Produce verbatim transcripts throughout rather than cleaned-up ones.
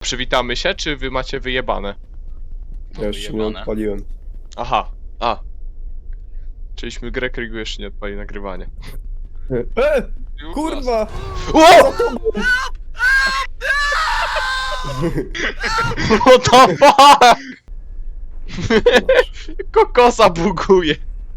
przywitamy się, czy wy macie wyjebane? Ja jeszcze nie odpaliłem. Aha, a. Czyliśmy grę, Krigu jeszcze nie odpali nagrywanie. E! Kurwa! O! What the fuck? Kokosa buguje.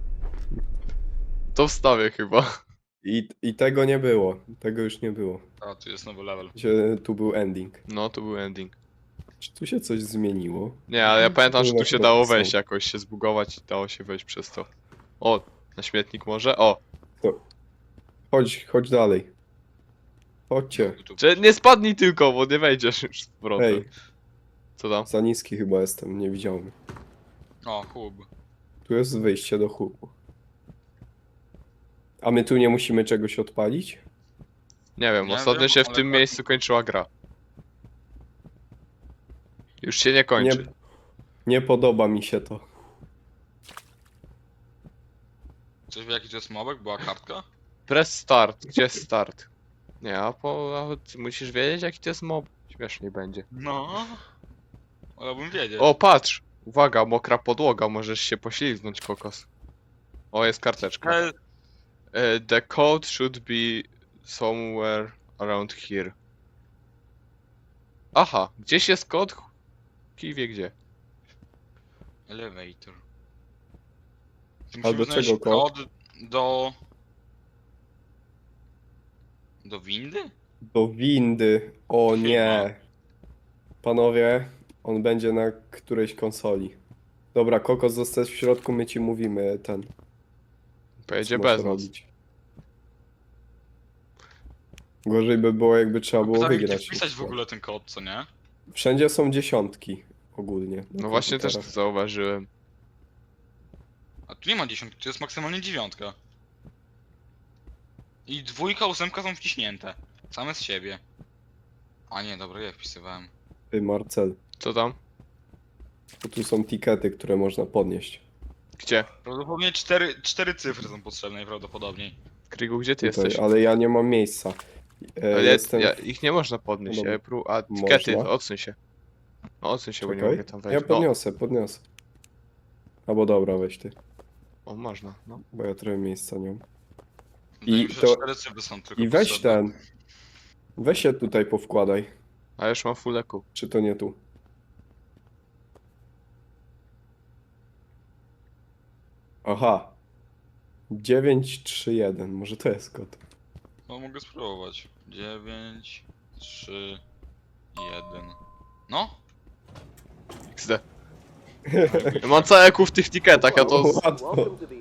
To wstawię chyba. I, I tego nie było. Tego już nie było. A, tu jest nowy level. Gdzie tu był ending. No, to był ending. Czy tu się coś zmieniło? Nie, ale ja pamiętam, że tu się Chyba dało to są. wejść jakoś, się zbugować i dało się wejść przez to. O, na śmietnik może? O, Chodź, chodź dalej. Chodźcie. Tu- czy nie spadnij tylko, bo nie wejdziesz już z powrotem. Hej, Co tam? za niski chyba jestem, nie widziałem. O, hub. Tu jest wyjście do hubu. A my tu nie musimy czegoś odpalić? Nie wiem, Nie ostatnio wiem, się w ale tym tak- miejscu kończyła gra. Już się nie kończy. Nie, nie podoba mi się to. Coś wie jaki to jest mobek? Była kartka? Press start, gdzie jest start? Nie, a po... A ty musisz wiedzieć jaki to jest mob. Śmieszniej będzie. No. Wolałbym wiedzieć. O, patrz! Uwaga, mokra podłoga, możesz się poślizgnąć, kokos. O, jest karteczka. Ale... E, The code should be somewhere around here. Aha, gdzieś jest kod? Kij wie gdzie. Elevator. A do Musimy znaleźć czego kod? kod do... Do windy? Do windy. O Chyba. nie. Panowie, on będzie na którejś konsoli. Dobra, Kokos, zostać w środku, my ci mówimy ten. Pojedzie co masz bez nas. robić. Gorzej by było, jakby trzeba było Pytanie, gdzie wygrać. wpisać w ogóle ten kod, co nie? Wszędzie są dziesiątki ogólnie. na No właśnie też to komputerach. zauważyłem. A tu nie ma dziesiątki, to jest maksymalnie dziewiątka. I dwójka, ósemka są wciśnięte. Same z siebie. A nie, dobra, ja wpisywałem. Ty, Marcel, Co tam? bo tu są tikety, które można podnieść. Gdzie? Prawdopodobnie cztery, cztery cyfry są potrzebne najprawdopodobniej. Krigu, gdzie ty Tutaj, jesteś? ale ja nie mam miejsca. E, Ale jestem... ja, ich nie można podnieść. No dobra. Ja pró- a tikety, Można? odsuń się. No odsuń się, bo nie Czekaj. mogę tam wejść. Ja podniosę, podniosę. Albo dobra, weź ty, No, o, można, no. bo ja trochę miejsca nie mam. Wydaje mi się, że to- cztery cyfry są tylko I weź potrzebne. ten. Weź się tutaj powkładaj. A już mam full eku. Czy to nie tu? Aha. dziewięć trzy jeden, może to jest kod. No mogę spróbować. dziewięć, trzy, jeden. No? X D. Ja mam całe eku w tych tiketach, ja to... Z... Łatwo.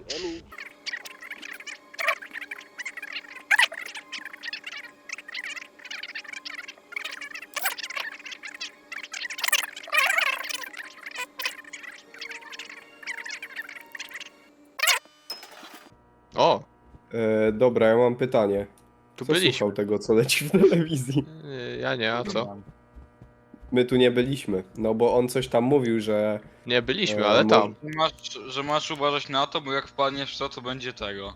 O, E, dobra, ja mam pytanie. tu Kto byliśmy. słuchał tego, co leci w telewizji? Yy, Ja nie, a co? My tu nie byliśmy, no bo on coś tam mówił, że... Nie byliśmy, E, ale może- tam. Masz, że masz uważać na to, bo jak wpadniesz w to, to będzie tego.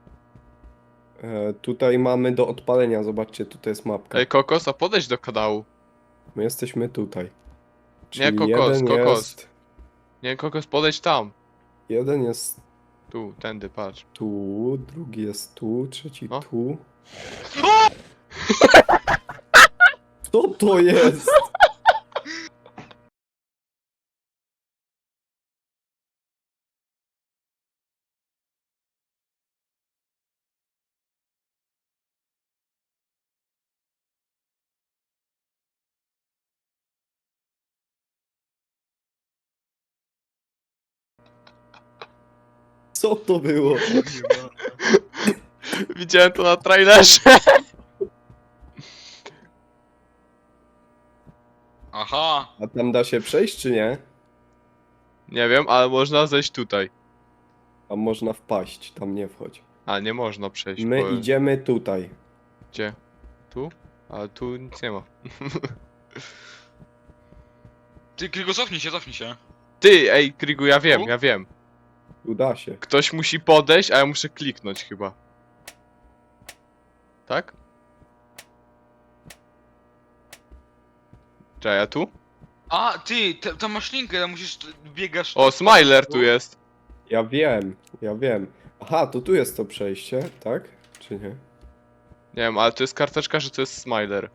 E, tutaj mamy do odpalenia, zobaczcie, tutaj jest mapka. Ej, kokos, a podejdź do kanału. My jesteśmy tutaj. Nie, Czyli kokos, jeden kokos. Jest, Nie, kokos, podejdź tam. jeden jest Tu, tędy, patrz. tu, drugi jest tu, trzeci O. tu. Co to jest? Co to było? Widziałem to na trailerze. Aha! A tam da się przejść, czy nie? Nie wiem, ale można zejść tutaj. Tam można wpaść, tam nie wchodź. A, nie można przejść. My bo... idziemy tutaj. Gdzie? Tu? Ale tu nic nie ma. Ty, Krygo, cofnij się, cofnij się. Ty, ej, Krigu, ja wiem, Tu? ja wiem. Tu da się. Ktoś musi podejść, a ja muszę kliknąć chyba. Tak? Czekaj, ja tu? A, ty, ta, ta masz linkę, tam musisz, biegasz... O, Smiler tu jest. Ja wiem, ja wiem. Aha, to tu jest to przejście, tak? Czy nie? Nie wiem, ale to jest karteczka, że to jest Smiler.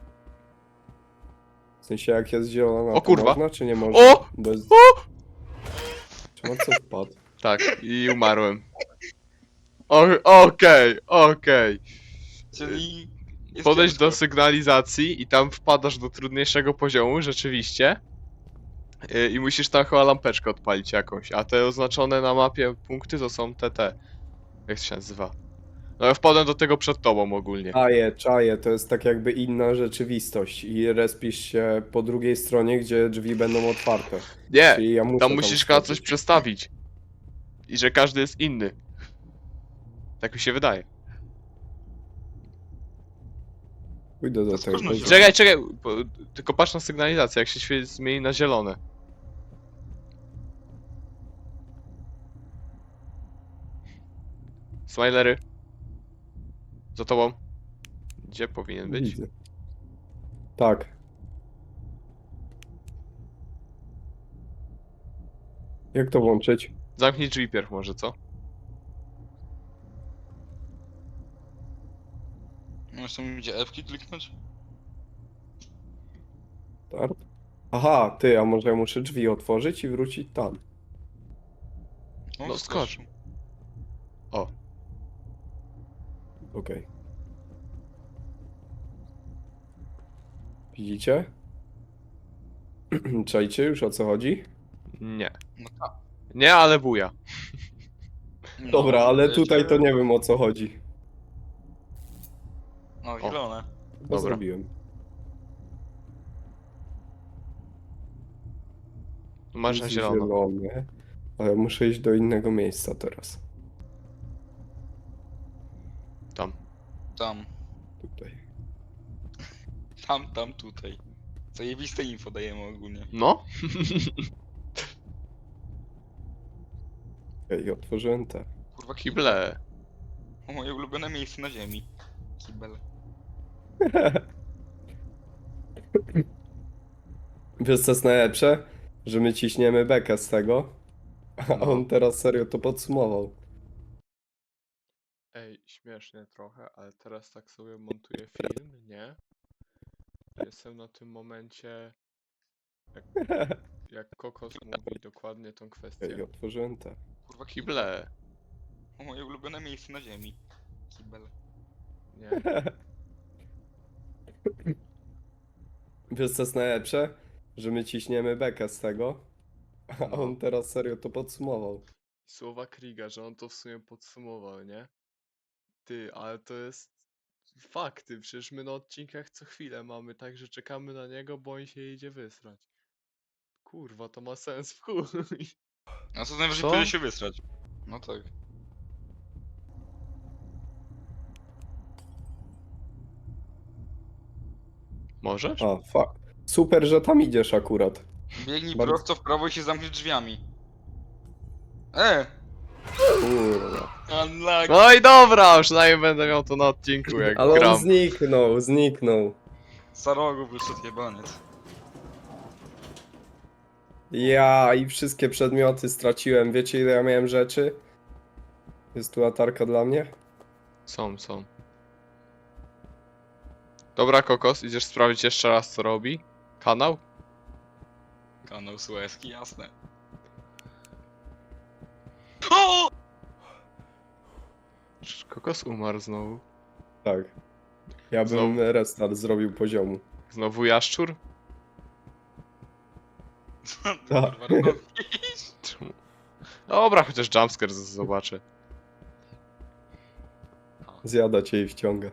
W sensie jak jest zielona, O to kurwa. można, czy nie można? O! Bez... O! Czy co wpadł? Tak, i umarłem. O- Okej, okej. Czyli... jest Podejdź do ciężko. sygnalizacji i tam wpadasz do trudniejszego poziomu, rzeczywiście. Yy, I musisz tam chyba lampeczkę odpalić jakąś, a te oznaczone na mapie punkty to są te te. Jak to się nazywa? No ja wpadłem do tego przed tobą ogólnie. Czaję, czaję, to jest tak jakby inna rzeczywistość i respisz się po drugiej stronie, gdzie drzwi będą otwarte. Nie, Czyli ja muszę tam musisz chyba coś wskoczyć. przestawić. I że każdy jest inny. Tak mi się wydaje. Pójdę do To tego. skąd się- Czekaj, czekaj, bo, tylko patrz na sygnalizację, jak się świeci zmieni na zielone. Smilery. Za tobą. Gdzie powinien być? Widzę. Tak. Jak to włączyć? Zamknij drzwi pierw może, co? Możesz tam gdzie F-ki kliknąć? Start? Aha, ty, a może ja muszę drzwi otworzyć i wrócić tam. No skocz. O, Okej. Widzicie? Czajcie już o co chodzi? nie. No tak. Nie, ale buja. No, Dobra, ale wiecie- tutaj to nie wiem o co chodzi. No, zielone. To Dobra. zrobiłem. Masz na Jest zielono. zielone, ale muszę iść do innego miejsca teraz. Tam. Tam, Tutaj. tam, tam, tutaj. Zajebiste info dajemy ogólnie. No? Okej, otworzyłem te. Kurwa, kibel. Kible. O, moje ulubione miejsce na ziemi. Kibel. Wiesz co jest najlepsze? Że my ciśniemy bekę z tego, a No. on teraz serio to podsumował. Ej, śmiesznie trochę, ale teraz tak sobie montuję film, nie? Jestem na tym momencie, jak, jak Kokos mówi dokładnie tą Okej, kwestię. otworzyłem te. Kurwa, kibel. Kible. O, moje ulubione miejsce na ziemi. Kibel. Nie. Wiesz co jest najlepsze? Że my ciśniemy bekę z tego, a No. on teraz serio to podsumował. Słowa Kriga, że on to w sumie podsumował, nie? Ty, ale to jest fakty, przecież my na odcinkach co chwilę mamy tak, że czekamy na niego, bo on się idzie wysrać. Kurwa, to ma sens w chuj. A co najwyżej Co? pójdzie się wysrać. No tak. Możesz? A, fuck. Super, że tam idziesz akurat. Biegnij Bardzo- prosto w prawo i się zamknij drzwiami. E! Kurwa. Unlucky. No i dobra, przynajmniej będę miał to na odcinku, jak Ale gram. on zniknął, zniknął. Za rogu wyszedł jebaniec. Ja i wszystkie przedmioty straciłem. Wiecie ile ja miałem rzeczy? Jest tu latarka dla mnie? Są, są. Dobra, Kokos, idziesz sprawdzić jeszcze raz, co robi? Kanał? Kanał Suezki, jasne. O! Czy Kokos umarł znowu? Tak. Ja bym Znowu? restart zrobił poziomu. Znowu jaszczur? Co ty, Tak. kurwa, robisz? Czemu? Dobra, chociaż jumpscare z- zobaczę. Zjada cię i wciąga.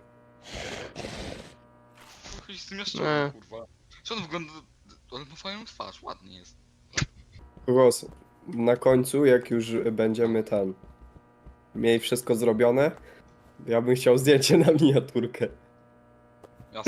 Chodź z tym jaszczurem, Nie. kurwa. Co on wygląda... Ale ma fajną twarz, ładnie jest. Głos. Na końcu, jak już będziemy tam mieli wszystko zrobione, ja bym chciał zdjęcie na miniaturkę. Jasne.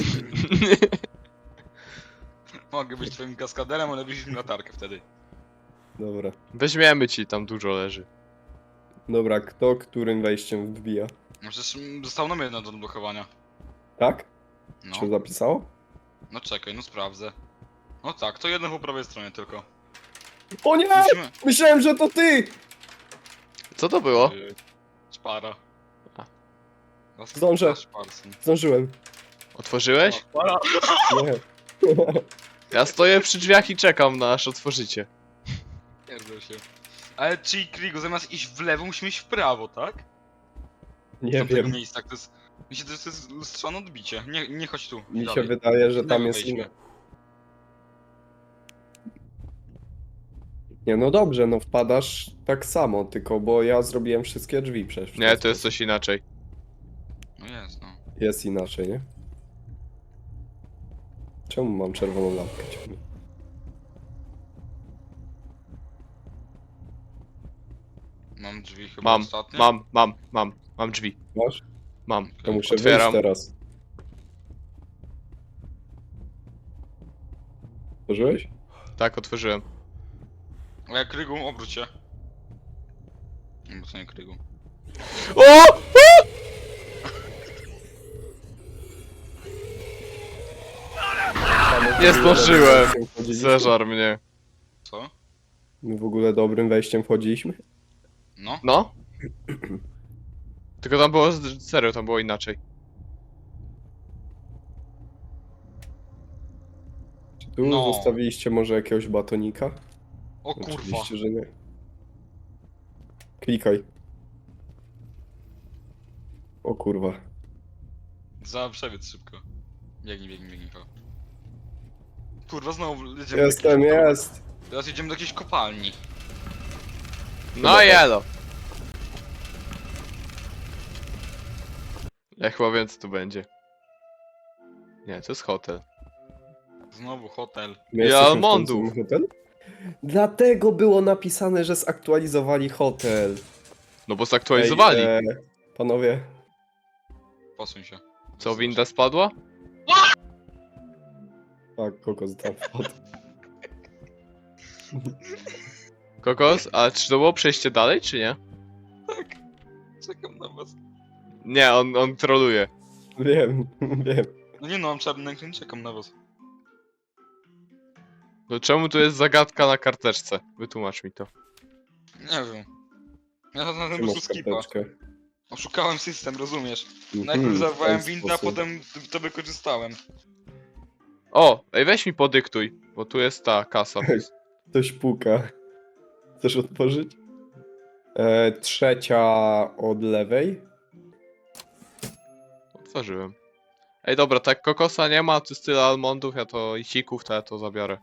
Mogę być twoim kaskaderem, ale wziąć mi latarkę wtedy. Dobra. Weźmiemy ci, tam dużo leży. Dobra, kto którym wejściem wbija? No przecież mm, zostało nam jedno do odblokowania. Tak? No. Czy zapisało? No czekaj, no sprawdzę. No tak, to jedno po prawej stronie tylko. O nie! Musimy... Myślałem, że to ty! Co to było? Yy, Szpara. A. Was- Zdążę. was Szparson. Zdążyłem. Otworzyłeś? Szpara. Nie. Ja stoję przy drzwiach i czekam na aż otworzycie. Pierdol się. Ale czyli Krigo, zamiast iść w lewo, musimy iść w prawo, tak? Nie Z tamtego wiem. miejsca, to jest... Mi się to jest lustrzane odbicie. Nie, nie chodź tu. Mi się dalej. wydaje, że tam Lewo jest wejdźmy. inne. Nie, no dobrze, no wpadasz tak samo, tylko bo ja zrobiłem wszystkie drzwi przecież. w ten Nie, to jest sposób. coś inaczej. No jest, no. Jest inaczej, nie? Czemu mam czerwoną lampkę ciągle? Mam drzwi chyba Mam, ostatnie. mam, mam, mam, mam drzwi. Masz? Mam. To muszę Otwieram. wyjść teraz. Otworzyłeś? Tak, otworzyłem. A jak Krygu, obróć się. No bo to nie Krygu. O! Nie zdążyłem. Zeżar mnie. Co? My w ogóle dobrym wejściem wchodziliśmy? No? No? Tylko tam było, z- serio, tam było inaczej. Czy tu No. zostawiliście może jakiegoś batonika? O kurwa. Oczywiście, że nie. Klikaj. O kurwa. Za przebiec szybko. Biegnij, biegnij, biegnij. Ho. Kurwa, znowu jedziemy Jestem, do jakiejś... jest! Teraz jedziemy do jakiejś kopalni. No jelo. Ja chyba wiem co tu będzie. Nie, to jest hotel. Znowu hotel. My I jesteśmy w almondów. końcu hotel? Dlatego było napisane, że zaktualizowali hotel. No bo zaktualizowali. Ej, e, panowie, Posuń się. Co, winda spadła? tak, kokos tam wpadł. Kokos? A czy to było przejście dalej, czy nie? Czekam na was. Nie, on, on troluje. Wiem, wiem. No nie no, mam czarny ekran, czekam na was. No czemu tu jest zagadka na karteczce? Wytłumacz mi to. Nie wiem. Ja na Ty tym masz prostu skipa. karteczkę. Oszukałem system, rozumiesz? Mhm, Najpierw w zawołałem ten windę, a sposób. potem to wykorzystałem. O, ej weź mi podyktuj, bo tu jest ta kasa. Ktoś puka. Chcesz otworzyć? E, trzecia od lewej. Otworzyłem. Ej dobra, tak kokosa nie ma, tu jest tyle almondów, ja to i sików, to ja to zabiorę.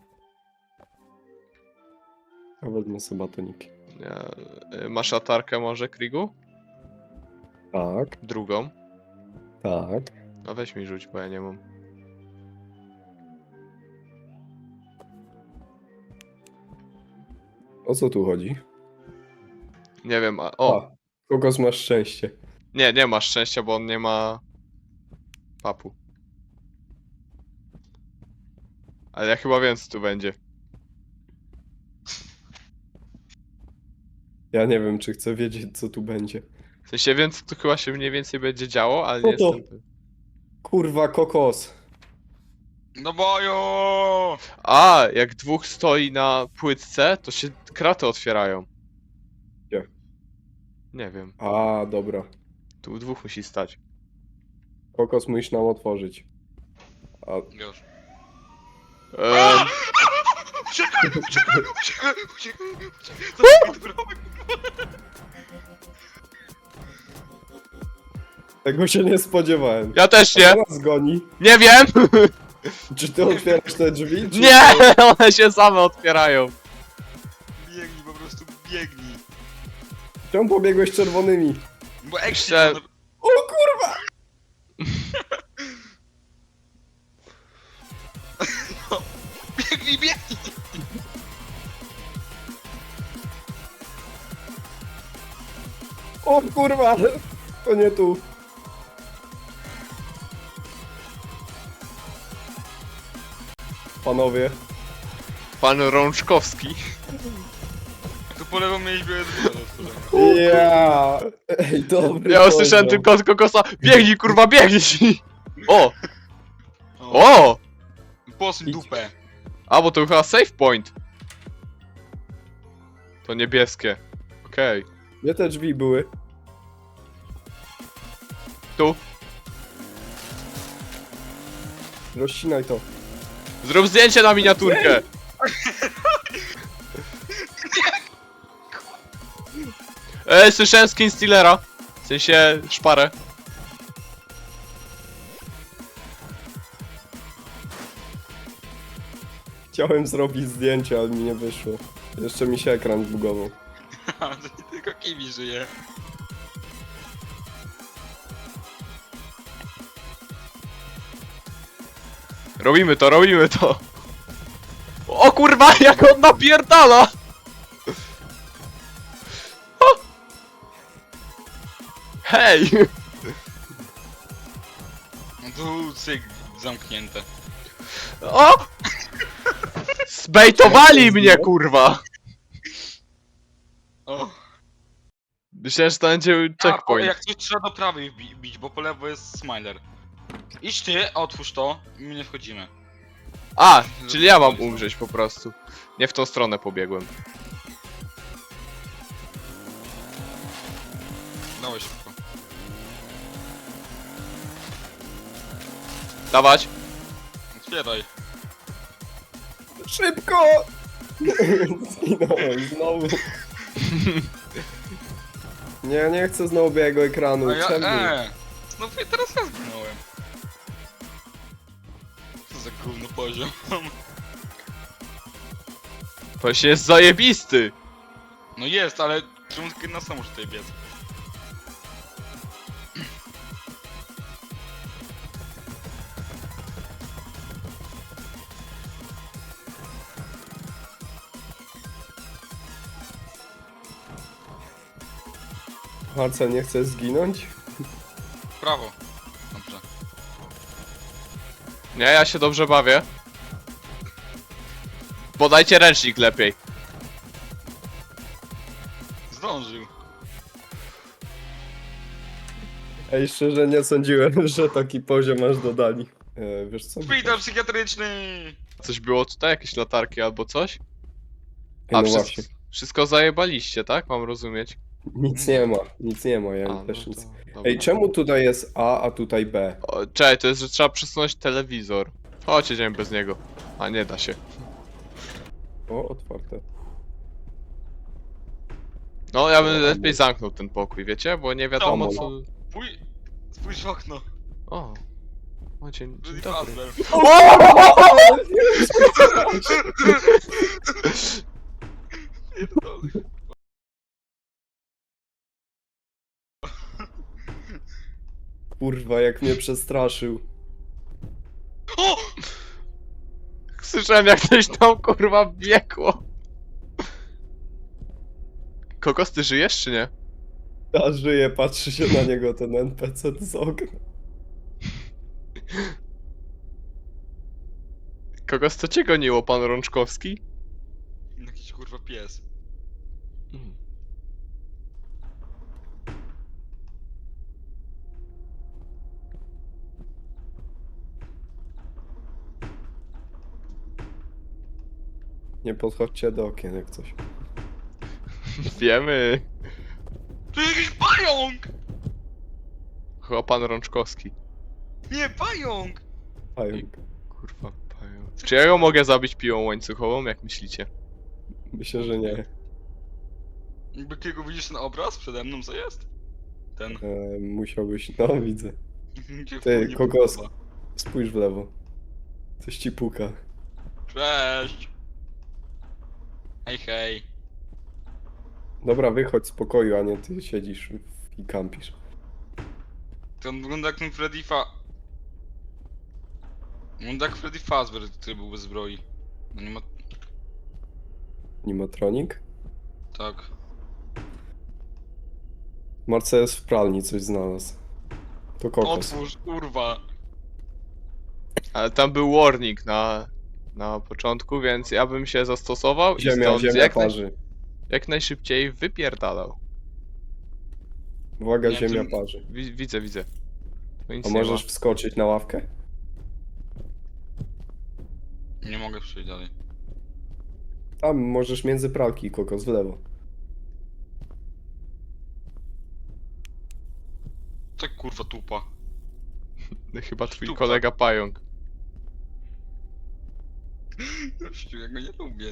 A wezmę sobie batoniki. Nie, y, masz latarkę może, Krigu? Tak, Drugą. tak. No weź mi rzuć, bo ja nie mam. O co tu chodzi? Nie wiem, a... O! A, kokos masz szczęście. Nie, nie masz szczęścia, bo on nie ma... papu. Ale ja chyba wiem co tu będzie. Ja nie wiem, czy chcę wiedzieć, co tu będzie. W sensie wiem co tu chyba się mniej więcej będzie działo, ale Co nie to? jestem pewien. Kurwa, kokos. Do boju! A, jak dwóch stoi na płytce, to się kraty otwierają. Gdzie? Nie wiem. A, dobra. Tu dwóch musi stać. Kokos musisz nam otworzyć. A, Już. Ehm, Uciekaj, uciekaj, uciekaj, uciekaj, uciekaj. Zamykaj drogę. tego się nie spodziewałem. ja też A nie! kto nas goni? Nie wiem! Czy ty otwierasz te drzwi? Czy Nie! One się same otwierają. Biegnij, po prostu biegnij. Czemu pobiegłeś czerwonymi? Bo exit... Chcę- O kurwa! Biegnij, biegnij! O kurwa! To nie tu. Panowie. Pan Rączkowski. Tu po lewo mieliśmy jedno. Ja. Ej, dobry Ja usłyszałem poziom. tylko od kokosa. Biegnij, kurwa, biegnij! O! O! Posuń Idź. dupę. A, bo to chyba save point. To niebieskie. Okej. Gdzie te drzwi były? Tu. Rozcinaj to. Zrób zdjęcie na miniaturkę. Ej, słyszałem skin Stealera. W sensie szparę. Chciałem zrobić zdjęcie, ale mi nie wyszło. Jeszcze mi się ekran zbugował. To nie tylko Kiwi żyje. Robimy to, robimy to. O kurwa, jak on napierdala! O! Hej! No tu cyk, zamknięte. O! Zbejtowali mnie, kurwa! O! Myślałem, że to będzie A, po, checkpoint. jak coś trzeba do prawej wbi- bić, bo po lewo jest Smiler. Idź ty, otwórz to i my nie wchodzimy. A, czyli ja mam umrzeć po prostu. Nie w tą stronę pobiegłem. Dawaj szybko. Dawać. Otwieraj. Szybko! Zginąłem znowu. Nie, nie chcę znowu białego ekranu. A ja, Czemu? e, no i teraz ja zginąłem. Co za gówno poziom. To się jest zajebisty. No jest, ale czemu tylko na sam może tutaj biec? Marcel, nie chcesz zginąć? Prawo. Dobrze. Nie, ja się dobrze bawię. Podajcie ręcznik lepiej. Zdążył. Ej, szczerze nie sądziłem, że taki poziom aż dodali. E, wiesz co? Szpital psychiatryczny! Coś było tutaj? Jakieś latarki albo coś? Ej, no A, wszy- właśnie. wszystko zajebaliście, tak? Mam rozumieć? Nic nie ma, nic nie ma, ja A, też no nic. to, dobra. Ej, czemu tutaj jest A, a tutaj B? O, czekaj, to jest, że trzeba przesunąć telewizor. Chodź, jedziemy bez niego. A, nie da się. O, otwarte. No, ja bym O, lepiej no. zamknął ten pokój, wiecie? Bo nie wiadomo No, co... Pój... Spójrz w okno. O. O, dzień, dzień Rudy dobry. Fazbear. Pierdolę. Kurwa, jak mnie przestraszył. O! Słyszałem jak coś tam kurwa biegło. Kokos, ty żyjesz czy nie? A żyje, patrzy się na niego ten N P C z okna. Kokos, co cię goniło, pan Rączkowski? Jakiś kurwa pies. Nie podchodźcie do okien jak coś. Wiemy. To jakiś pająk! Chyba pan Rączkowski. Nie, pająk! Pająk. Kurwa, pająk. Czy ja ją mogę zabić piłą łańcuchową, jak myślicie? Myślę, że nie. Jakby kiego widzisz ten obraz przede mną, co jest? Ten. E, musiałbyś... No, widzę. Mi się Ty, nie kokos. podoba. Spójrz w lewo. Coś ci puka. Cześć! Hej, hej. Dobra, wychodź z pokoju, a nie ty siedzisz w- i kampisz. To on wygląda jak ten Freddy Fa... Wygląda jak Freddy Fazbear, który był bez zbroi. No nie ma... Animatronik? Tak. Marcel jest w pralni, coś znalazł. To kokos. Otwórz, kurwa! Ale tam był warning na, na początku, więc ja bym się zastosował i Ziemia, stąd ziemia jak, naj, parzy. jak najszybciej wypierdalał. Uwaga, Nie, ziemia tym- parzy. Wi widzę, widzę. Tu nic A nie możesz ma. wskoczyć na ławkę? Nie mogę przejść dalej. Tam możesz między pralki, kokos, w lewo. Tak kurwa tupa. Chyba twój Sztuka. kolega pająk. Gościu, ja go nie lubię.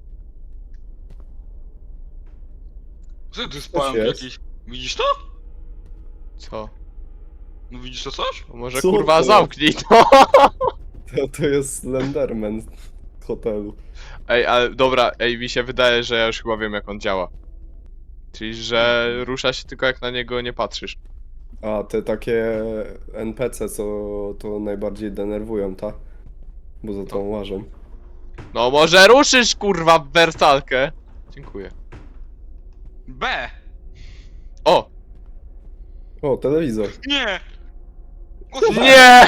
Co ty spałem jest? jakiś? Widzisz to? Co? No widzisz to coś? No może Co kurwa to? zamknij to! To, to jest Slenderman z hotelu. Ej, ale dobra, ej, mi się wydaje, że ja już chyba wiem jak on działa. Czyli, że rusza się tylko jak na niego nie patrzysz. A te takie N P C, co to najbardziej denerwują, ta? Bo za tą łażą. No może ruszysz kurwa w wersalkę? Dziękuję. B! O! O, telewizor. Nie! Nie!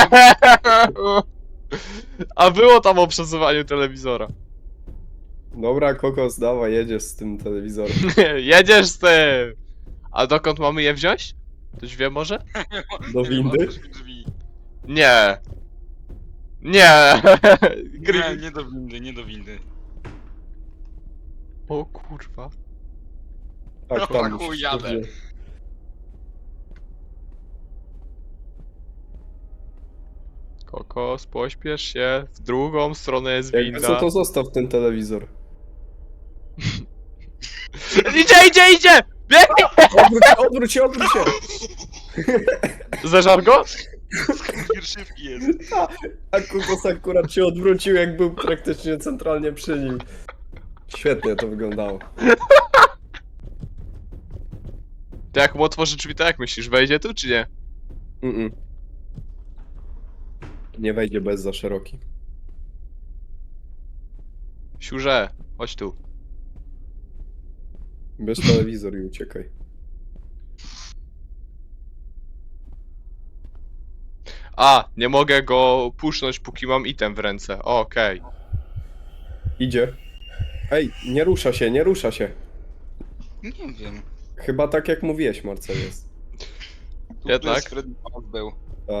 A było tam o przesuwaniu telewizora. Dobra, kokos, dawaj, jedziesz z tym telewizorem. Jedziesz z tym! A dokąd mamy je wziąć? Ktoś wie może? Do Nie wiem, windy? otwórz mi drzwi. Nie! Nie! Nie, Gry... nie do windy, nie do windy. O kurwa. Tak, No, tam. chuj, musisz jadę. tu wziąć. Kokos, pośpiesz się. W drugą stronę jest Jakby co, winda. to zostaw ten telewizor. Idzie, idzie, idzie! Biegnie! Odwróć się, odwróć się, odwróć się! Zeżar go? Pierwszywki jest. A kokos akurat się odwrócił, jak był praktycznie centralnie przy nim. Świetnie to wyglądało. To jak mu otworzy drzwi, to jak myślisz, wejdzie tu czy nie? Mm-mm. Nie wejdzie bez za szeroki. Siurze, chodź tu. Bierz telewizor i uciekaj. A, nie mogę go pusznąć, póki mam item w ręce. O, okej. Idzie. Ej, nie rusza się, nie rusza się. Nie wiem. Chyba tak jak mówiłeś, Marcel jest. Tu Jednak? jest Freddy Fazbear był. A,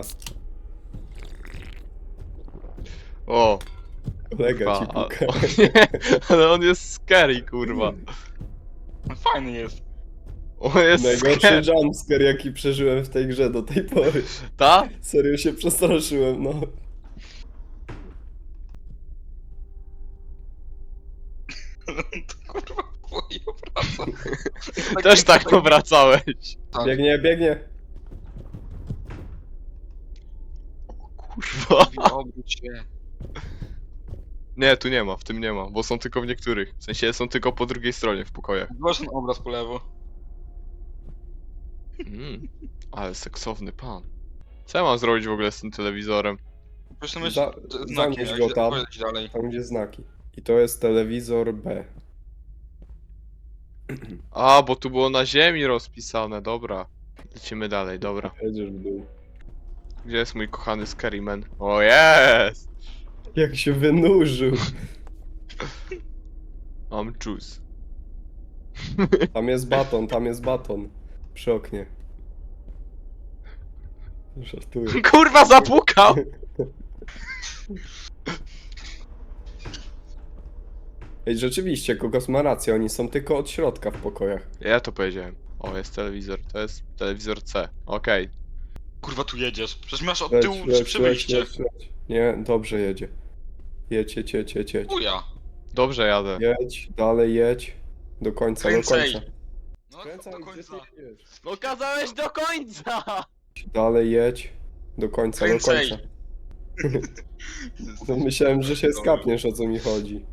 O, kolega ci kurwa. a- puka. o nie, ale on jest scary, kurwa. Fajny jest. On jest Najgorszy scary. jumpscare, jaki przeżyłem w tej grze do tej pory. Ta? Serio się przestraszyłem, no. To kurwa twoje obraca. Też tak powracałeś. Tak. Biegnie, biegnie. Kurwa. Obróć się. Nie, tu nie ma, w tym nie ma, bo są tylko w niektórych. W sensie są tylko po drugiej stronie w pokojach. Zobacz ten obraz po lewo. Mm, ale seksowny pan. Co ja mam zrobić w ogóle z tym telewizorem? Proszę myśl, Za- znaki, zanurz jak go się tam. pojedziesz dalej. Tam gdzie znaki. I to jest telewizor B. A, bo tu było na ziemi rozpisane, dobra. Lecimy dalej, dobra. Jedziesz w dół. Gdzie jest mój kochany Scaryman? O, jest! Jak się wynurzył. Mam juice. Tam jest baton, tam jest baton. Przy oknie. Żartuję. Kurwa, zapukał! Ej, rzeczywiście, Kokos ma rację, oni są tylko od środka w pokojach. Ja to powiedziałem. O, jest telewizor, to jest telewizor C. Okej. Kurwa tu jedziesz. Przecież masz od Leć, tyłu leć, przy leć, przejście. leć, leć. Nie, dobrze jedzie. Jedź, jedź, jedź, jedź, jedź. Uja. Dobrze jadę. Jedź, dalej jedź. Do końca, do Kręcej. końca. No Kręcaj, do gdzie końca. ty jedziesz? No kazałeś do końca! Dalej jedź. Do końca, do Kręcej. końca. No myślałem, że się skapniesz, o co mi chodzi.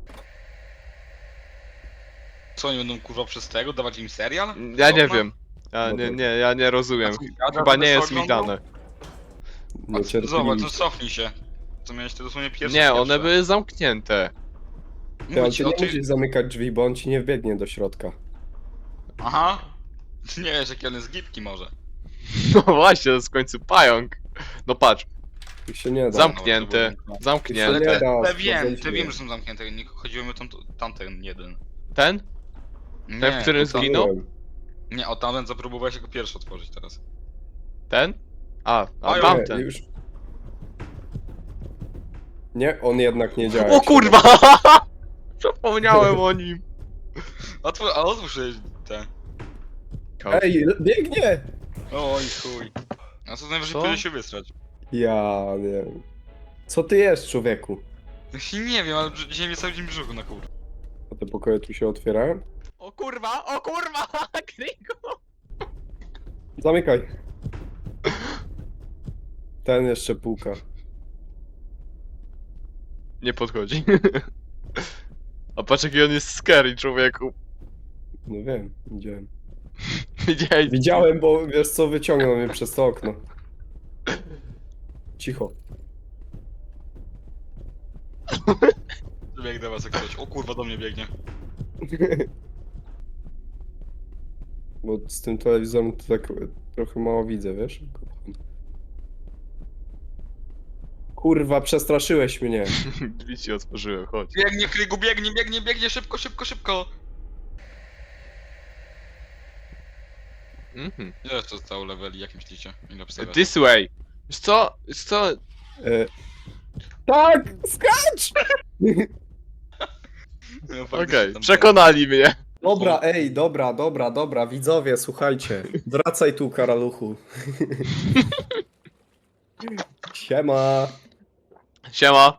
Co, oni będą kurwa przez tego dawać im serial? Ja nie Okna? wiem. Ja No nie, to- nie, ja nie rozumiem. A co, jada, Chyba żeby nie się jest mi oglądał? dane. A, Niecierpliwi. zobacz, to cofnij się. To miałeś te dosłownie pierwsze. Nie, one pierwsze. były zamknięte. Ty, ale Mówię ci ty o nie tym- musisz zamykać drzwi, bo on ci nie wbiegnie do środka. Aha. Ty nie wiesz, jakie on jest gipki może. No właśnie, to jest w końcu pająk. No patrz, Tu się nie da. zamknięte, Tu się nie zamknięte. da. Te wiem, sprawdzać te nie. wiem, że są zamknięte. Nie chodziło mi o tam, tamten jeden. Ten? Nie, Ten, w którym o tam- zginął? Nie, o tamten zapróbowałeś jako pierwszy otworzyć teraz. Ten? A, a Pająk. tamten. Nie, już. Nie, on jednak nie działa. O jak się kurwa! Zapomniałem o nim. Otwórz, a otwórz jej te. da. Ej, biegnie! Oj, chuj. A co najwyżej Co? pójdzie się wysrać. Ja nie wiem. Co ty jest, człowieku? Właśnie nie wiem, ale brz- dzisiaj mnie cały dzień brzuchu na kur... A te pokoje tu się otwierają? O kurwa, o kurwa! Kriku! Zamykaj. Ten jeszcze puka. Nie podchodzi. A patrz jaki on jest scary, człowieku. No wiem, widziałem. Widziałeś? Widziałem, bo wiesz co, wyciągnął mnie przez to okno. Cicho. Bieg do was jak coś. O kurwa, do mnie biegnie. Bo z tym telewizorem to tak trochę mało widzę, wiesz? Kurwa, przestraszyłeś mnie. Drzwi ci otworzyłem, chodź. Biegnie, Krygu, biegnie, biegnie, biegnie, szybko, szybko, szybko! Mhm. Ile jeszcze zostało leveli, jak myślicie? Ile obstawiacie? This way. Wiesz co? Wiesz co? E... Tak! Skacz! No, Okej, faktycznie tam- przekonali mnie. Dobra, ej, dobra, dobra, dobra, widzowie, słuchajcie. Wracaj tu, karaluchu. Siema. Siema.